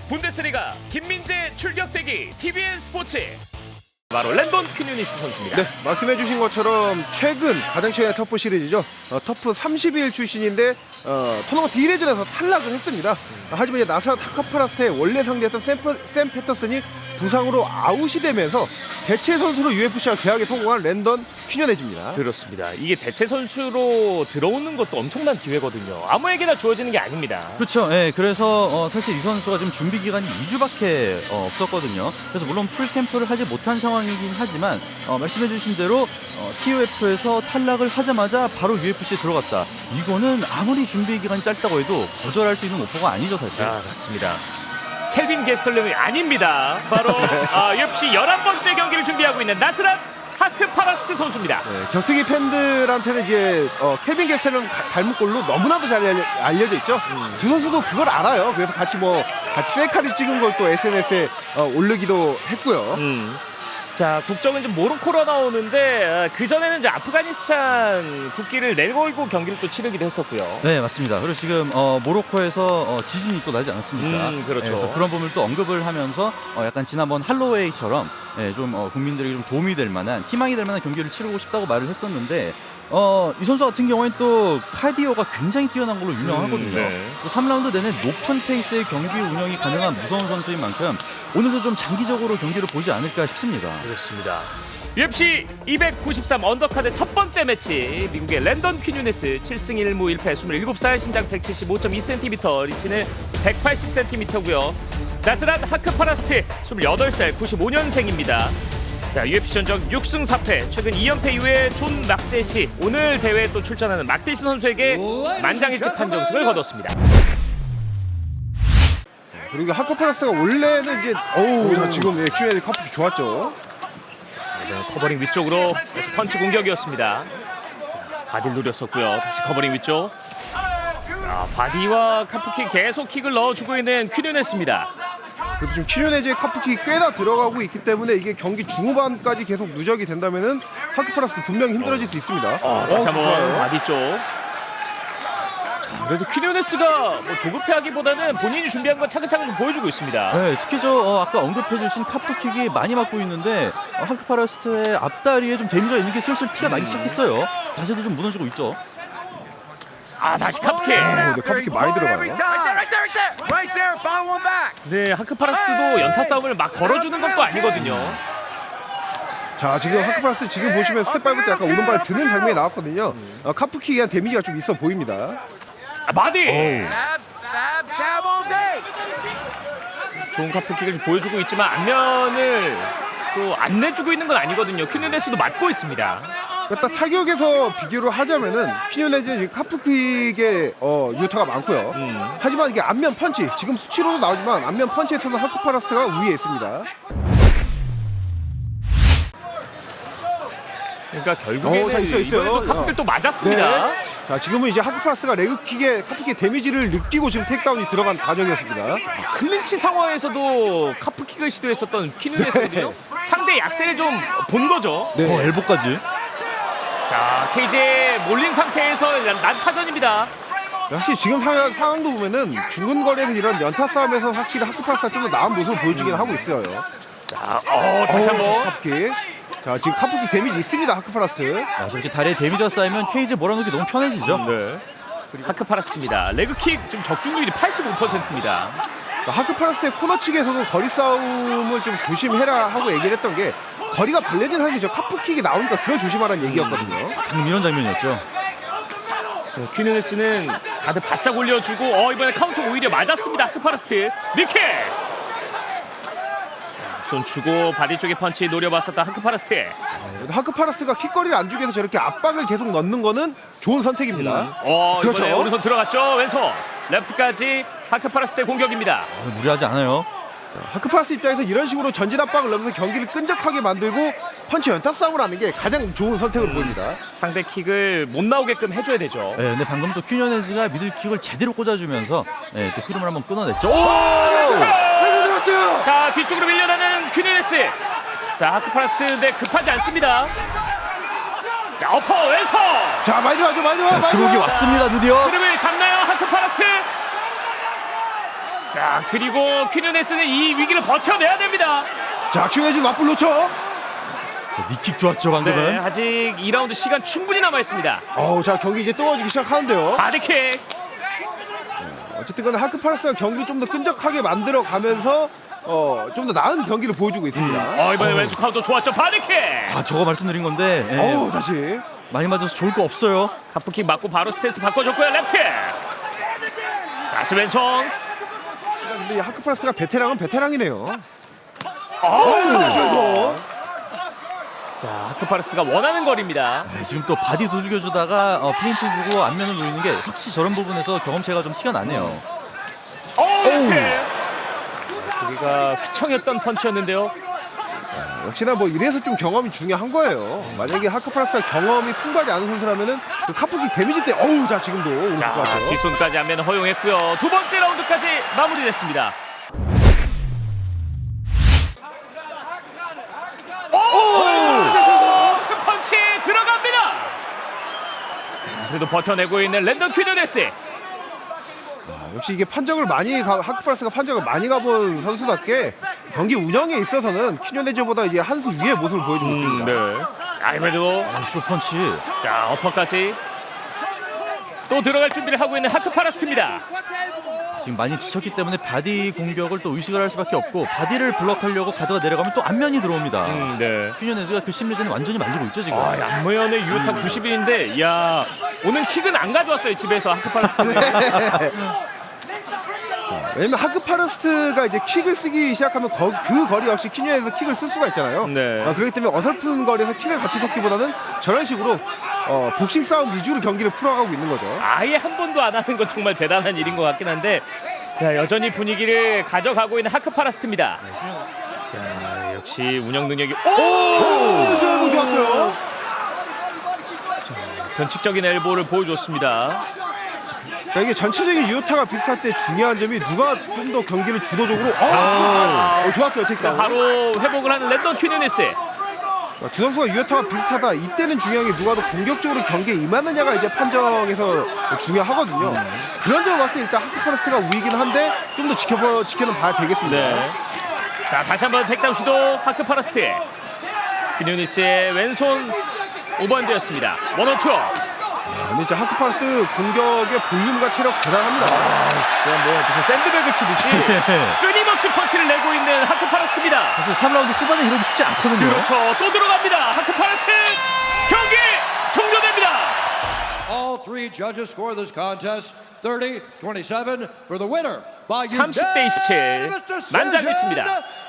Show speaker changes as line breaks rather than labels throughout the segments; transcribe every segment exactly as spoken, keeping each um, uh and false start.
분데스리가 김민재 출격대기 티비엔 스포츠 바로 랜돈 퀴누니스 선수입니다.
네, 말씀해주신 것처럼 최근 가장 최근의 터프 시리즈죠. 어, 터프 삼십 일 출신인데 어, 토너먼트 일 회전에서 탈락을 했습니다. 음. 하지만 이제 나스라 타카프라스트의 원래 상대였던 샘, 샘 패터슨이 부상으로 아웃이 되면서 대체 선수로 유에프씨와 계약에 성공한 랜던 퀴뉴네즈입니다.
그렇습니다. 이게 대체 선수로 들어오는 것도 엄청난 기회거든요. 아무에게나 주어지는 게 아닙니다.
그렇죠. 예, 그래서 어, 사실 이 선수가 지금 준비 기간이 이 주밖에 어, 없었거든요. 그래서 물론 풀 캠프를 하지 못한 상황이긴 하지만 어, 말씀해주신 대로 어, 티오에프에서 탈락을 하자마자 바로 유에프씨에 들어갔다. 이거는 아무리 준비 기간이 짧다고 해도 거절할 수 있는 오퍼가 아니죠, 사실.
아, 맞습니다. 켈빈 게스털름이 아닙니다. 바로 어, 유에프씨 열한 번째 경기를 준비하고 있는 나스랏 하크파라스트 선수입니다.
네, 격투기 팬들한테는 이제 어, 케빈 게스텔런 닮은 꼴로 너무나도 잘 알려, 알려져 있죠. 음. 두 선수도 그걸 알아요. 그래서 같이 뭐 같이 셀카를 찍은 걸 또 에스엔에스에 어, 올리기도 했고요.
음. 자, 국적은 이제 모로코로 나오는데 그 전에는 이제 아프가니스탄 국기를 내걸고 경기를 또 치르기도 했었고요.
네, 맞습니다. 그리고 지금 어, 모로코에서 어, 지진이 또 나지 않았습니까?
음, 그렇죠.
네, 그래서 그런 부분을 또 언급을 하면서 어, 약간 지난번 할로웨이처럼 네, 좀 어, 국민들에게 좀 도움이 될 만한, 희망이 될 만한 경기를 치르고 싶다고 말을 했었는데 어, 이 선수 같은 경우에는 또 카디오가 굉장히 뛰어난 걸로 유명하거든요. 음, 네. 또 삼 라운드 내내 높은 페이스의 경기 운영이 가능한 무서운 선수인 만큼 오늘도 좀 장기적으로 경기를 보지 않을까 싶습니다.
그렇습니다. 유에프씨 이백구십삼 언더카드 첫 번째 매치, 미국의 랜던 퀴뉴네스 칠 승 일 무 일 패, 스물일곱 살, 신장 백칠십오 점 이 센티미터, 리치는 백팔십 센티미터고요. 나스랏 하크파라스트 스물여덟 살, 구십오 년생입니다. 자, 유에프씨 전적 육 승 사 패, 최근 이 연패 이후에 존 막대시, 오늘 대회에 또 출전하는 막대시 선수에게 만장일치 판정승을 거뒀습니다.
그리고 하크파라스트가 원래는 이제 어우 자, 지금 예, 퀴뉴네즈 커플이 좋았죠.
네, 커버링 위쪽으로 다시 펀치 공격이었습니다. 바디를 노렸었고요. 다시 커버링 위쪽. 아, 바디와 카프킥 계속 킥을 넣어주고 있는 퀴뉴네스입니다.
그래도 지금 퀴뉴네즈의 카프킥이 꽤나 들어가고 있기 때문에 이게 경기 중후반까지 계속 누적이 된다면은 하크파라스트 분명히 힘들어질 수 있습니다.
어, 다시 한번 바디 쪽. 그래도 퀴뉴네스가 뭐 조급해하기보다는 본인이 준비한 건 차근차근 좀 보여주고 있습니다.
네, 특히 저 어, 아까 언급해주신 카프킥이 많이 맞고 있는데 어, 하크파라스트의 앞다리에 좀 데미지가 있는 게 슬슬 티가 나기 시작했어요. 자세도 좀 무너지고 있죠.
아, 다시 카프킥.
어, 근데 카프킥 많이 들어가요.
네, 하크파라스트도 연타 싸움을 막 걸어주는 것도 아니거든요.
자, 지금 하크파라스트 지금 보시면 스텝 밟을 때 약간 오른발에 드는 장면이 나왔거든요. 어, 카프킥에 대한 데미지가 좀 있어 보입니다.
아, 바디. 좋은 카프킥을 좀 보여주고 있지만 안면을 또 안 내주고 있는 건 아니거든요. 퀴뉴네스도 맞고 있습니다.
일단 타격에서 비교를 하자면은 퀴뉴네즈는 지금 카프킥의 어, 유타가 많고요.
음.
하지만 이게 안면 펀치, 지금 수치로도 나오지만 안면 펀치에 있어서 하크파라스트가 위에 있습니다.
그러니까 결국에는
오, 자, 있어요, 있어요.
이번에도 카프킥을 또 맞았습니다.
네. 자, 지금은 이제 하크파라스트가 레그킥에 카프킥의 데미지를 느끼고 지금 테이크다운이 들어간 과정이었습니다.
클린치 상황에서도 카프킥을 시도했었던 퀴누네스거든요.
네.
상대 약세를 좀 본 거죠.
네.
어, 엘보까지.
자, 케이지에 몰린 상태에서 난타전입니다.
확실히 지금 상황, 상황도 보면은 중근거리에서 이런 연타 싸움에서 확실히 하크파라스트가 좀 더 나은 모습을 보여주긴 하고 있어요.
자, 어, 다시
어우,
한번.
카프킥. 자, 지금 카프킥 데미지 있습니다, 하크파라스트.
아, 저렇게 다리에 데미지가 쌓이면 케이지 몰아넣기 너무 편해지죠.
네. 하크파라스트입니다. 레그킥 좀 적중률이 팔십오 퍼센트입니다.
하크파라스트의 코너 측에서도 거리 싸움을 좀 조심해라 하고 얘기를 했던 게 거리가 벌려진 상황이죠. 카프킥이 나오니까 그걸 조심하라는 얘기였거든요.
방금 이런 장면이었죠.
네, 퀴누네스는 다들 바짝 올려주고 어, 이번에 카운터 오히려 맞았습니다. 하크파라스트 니킥. 손 주고 바디 쪽에 펀치 노려봤었던 하크파라스트.
하크파라스트가 킥거리를 안 주기 위해서 저렇게 압박을 계속 넣는 거는 좋은 선택입니다.
음. 어,
그렇죠.
이번에 오른손 들어갔죠. 왼손 레프트까지 하크파라스트의 공격입니다.
어, 무리하지 않아요.
하크파라스트 입장에서 이런 식으로 전진 압박을 넣으면서 경기를 끈적하게 만들고 펀치 연타 싸움을 하는 게 가장 좋은 선택으로 음. 보입니다.
상대 킥을 못 나오게끔 해줘야 되죠.
네, 근데 방금 또 퀴뉴네즈가 미들킥을 제대로 꽂아주면서 네, 또 흐름을 한번 끊어냈죠.
자, 뒤쪽으로 밀려나는 퀴누네스. 자, 하크파라스트인데 급하지 않습니다. 자, 어퍼 왼손.
자, 많이 들어가죠, 많이 들어가, 많이
들어오기
들어가.
왔습니다, 드디어.
흐름을 잡나요, 하크파라스트? 자, 그리고 퀴뉴네스는 이 위기를 버텨내야 됩니다.
자, 큐에즈 맞불 놓쳐.
니킥 좋았죠 방금은.
네, 아직 이 라운드 시간 충분히 남아 있습니다.
어우, 자, 경기 이제 뜨거워지기 시작하는데요.
바디킥.
어쨌든 간에 하크파라스가 경기 좀 더 끈적하게 만들어 가면서 어, 좀 더 나은 경기를 보여주고 있습니다.
어, 이번에 왼쪽 카운터 좋았죠. 바디킥.
아 저거 말씀드린 건데 예,
어우, 다시.
많이 맞아서 좋을 거 없어요.
하프킥 맞고 바로 스탠스 바꿔줬고요. 레프트. 다시 왼손.
근데 이 하크파라스가 베테랑은 베테랑이네요.
어우.
다시 왼손.
자, 하크파라스가 원하는 거리입니다.
네, 지금 또 바디 두들겨주다가 어, 페인트 주고 안면을 노리는 게 확실히 저런 부분에서 경험치가 좀 티가 나네요.
어, 레프트. 여기가 휘청했던 펀치였는데요.
역시나 뭐 이래서 좀 경험이 중요한 거예요. 만약에 하크파라스가 경험이 풍부하지 않은 선수라면은 그 카프킥 데미지 때 어우, 자, 지금도 오른쪽
자,
좋았어요.
뒷손까지 안면 허용했고요. 두 번째 라운드까지 마무리됐습니다. 오! 큰 펀치 들어갑니다. 자, 그래도 버텨내고 있는 랜던 퀴뉴네스.
역시 이게 판정을 많이 가, 하크파라스가 판정을 많이 가본 선수답게 경기 운영에 있어서는 퀴뉴네즈보다 이제 한 수 위의 모습을 보여주고 있습니다.
네. 아이베도
아, 쇼펀치.
자, 어퍼까지 또 들어갈 준비를 하고 있는 하크파라스입니다.
지금 많이 지쳤기 때문에 바디 공격을 또 의식을 할 수밖에 없고 바디를 블럭하려고 가드가 내려가면 또 안면이 들어옵니다.
음, 네.
퀴뉴네즈가 그 심리전을 완전히 만들고 있죠 지금.
아, 양모연의 유효타 구십 일인데, 야, 오늘 킥은 안 가져왔어요 집에서 하크파라스는.
왜냐면 하크파라스트가 이제 킥을 쓰기 시작하면 거, 그 거리 역시 퀴뉴에서 킥을 쓸 수가 있잖아요.
네.
아, 그렇기 때문에 어설픈 거리에서 킥을 같이 섞기보다는 저런 식으로 어, 복싱 싸움 위주로 경기를 풀어가고 있는 거죠.
아예 한 번도 안 하는 건 정말 대단한 일인 것 같긴 한데, 야, 여전히 분위기를 가져가고 있는 하크파라스트입니다. 자, 역시 운영 능력이 오!
오, 좋았어요.
변칙적인 엘보를 보여줬습니다.
자, 이게 전체적인 유효타가 비슷할 때 중요한 점이 누가 좀 더 경기를 주도적으로 어,
아.
지금, 어, 좋았어요 테이크다운.
바로 회복을 하는 랜던 퀴뉴네스.
두 선수가 유효타가 비슷하다. 이때는 중요한 게 누가 더 공격적으로 경기에 임하느냐가 이제 판정에서 중요하거든요. 그런 점을 봤을 때 일단 하크파라스트가 우위긴 한데 좀 더 지켜봐 지켜는 봐야 되겠습니다.
네. 자, 다시 한번 택다운 시도 하크파라스트. 퀴뉴네스의 왼손 오버핸드였습니다. 원어투.
근데 진짜 하크파라스트 공격의 볼륨과 체력 대단합니다.
아, 진짜 뭐 무슨 샌드백을 치듯이 끊임없이 펀치를 내고 있는 하크파라스트입니다.
사실 삼 라운드 후반에 이러기 쉽지 않거든요.
그렇죠. 또 들어갑니다. 하크파라스트. 경기 종료됩니다.
All three judges score this contest thirty twenty-seven for the winner by
삼십 대 이십칠. 만장일치입니다.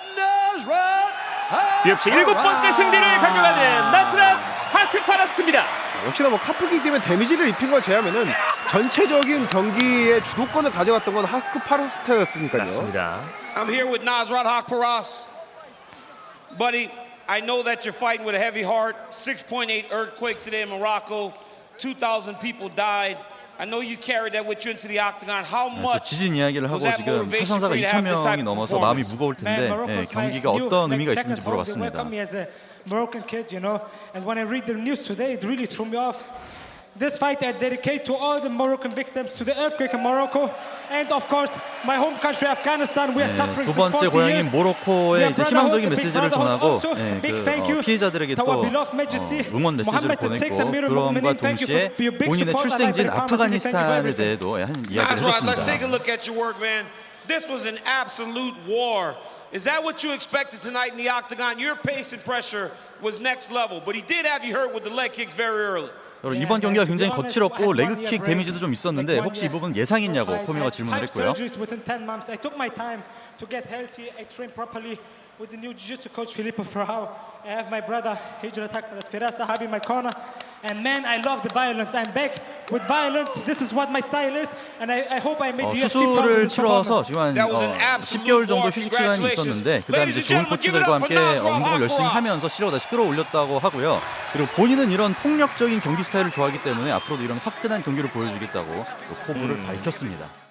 유에프씨 일곱 번째 승리를 가져가는 나스란 하크파라스트입니다.
역시나 뭐 카프킥 때문에 데미지를 입힌 걸 제외하면은 전체적인 경기의 주도권을 가져갔던 건 하크파라스트였으니까요.
맞습니다.
I'm here with Nasrat Hakparas. Buddy, I know that you're fighting with a heavy heart. six point eight earthquake today in Morocco. two thousand people died. I know you carried that with you into the octagon. How
또
much
지진 이야기를 하고
was that
지금
motivation
사상자가
for you to have
이천
this type
명이
of
넘어서 마음이
performance?
무거울 텐데 예, 경기가 어떤 의미가 있는지 물어봤습니다.
Welcome me as a Moroccan kid, you know. And when I read the news today, it really threw me off. This fight I dedicate to all the Moroccan victims, to the earthquake in Morocco, and of course my home country Afghanistan. We are
네,
suffering
두
since
번째
forty
고향인
years.
모로코에 이제 희망적인
Brotherhood,
메시지를
big
전하고
brotherhood.
예,
Also, big
그
thank
어,
you
피해자들에게
to
또
our beloved
어,
Majesty,
응원 메시지를
Mohammed the Sixth,
보냈고
Amirul
그럼과
Mu'minin. Thank you
동시에
for your big
본인의
support.
출생지인
I like very
아프가니스탄에
promising. Thank you
대해도 한 이야기를
Nasrat, let's take a
해줬습니다.
look at your work, man. This was an absolute war. Is that what you expected tonight in the octagon? Your pace and pressure was next level, but he did have you hurt with the leg kicks very early.
여러분, 이번 경기가 굉장히 거칠었고 레그킥 데미지도 좀 있었는데 혹시 이 부분 예상했냐고 포미가 질문을 했고요.
Within ten months, I took my time to get healthy. I trained properly with the new jiu-jitsu coach Filippo Ferrao. I have my brother Hijrat Hakparas Firas Sahabi in my corner. And man, I love the violence. I'm back with violence. This is what my style is, and I, I hope I made
어,
U F C proud of
수술을
this
치러서
performance.
지금 한
That was an
어,
absolute
십 개월 정도
war.
휴식 시간이
Congratulations.
있었는데 그 다음에
Ladies
이제
and
좋은
gentlemen, give it
코치들과
up for
함께
Nasrat
어, 운동을 열심히
Hakparas.
하면서 실력을 다시 끌어올렸다고 하고요. 그리고 본인은 이런 폭력적인 경기 스타일을 좋아하기 때문에 앞으로도 이런 화끈한 경기를 보여주겠다고 또 포부를 밝혔습니다.